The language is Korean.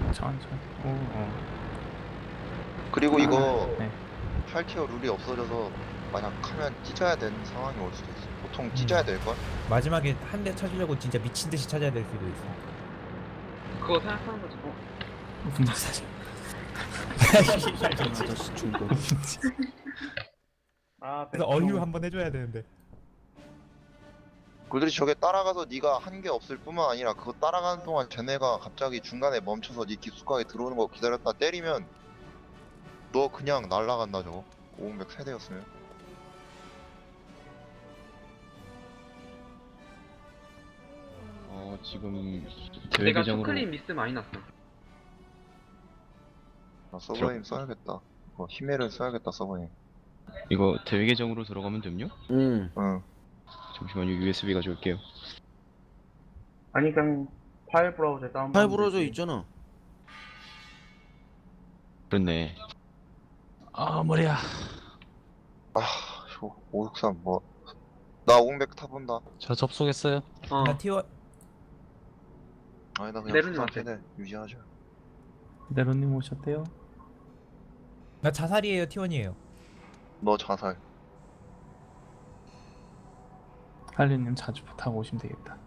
천천히. 오. 그리고 이거 네. 8티어 룰이 없어져서 만약 하면 찢어야 되는 상황이 올 수도 있어. 보통 찢어야 될걸? 마지막에 한 대 찾으려고 진짜 미친 듯이 찾아야 될 수도 있어. 그거 생각하는 거지. 분노 사실. 아저씨 중독. 아, 그래서 어휴 한번 해줘야 되는데. 그들이 저게 따라가서 네가 한 게 없을 뿐만 아니라 그거 따라가는 동안 쟤네가 갑자기 중간에 멈춰서 네 깊숙하게 들어오는 거 기다렸다 때리면 너 그냥 날라간다 저거. 500 세대였으면. 지금 대회 내가 계정으로 슈클린 미스 많이 났어. 나 서버님 써야겠다. 히메를 써야겠다 서버님. 이거 대회 계정으로 들어가면 됩요? 응. 잠시만요. USB 가져올게요. 아니 그냥 파일 브라우저에 다운. 팔 부러져 있잖아. 그렇네. 아 머리야. 아, 563 뭐. 나 500 타본다. 저 접속했어요. 어. 나 T1 아니 나 그냥 내려놓으면 부산 돼. 세대 유지하자. 네로님 오셨대요. 나 자살이에요 T1이에요. 너 자살. 할리님 자주 부탁 오시면 되겠다.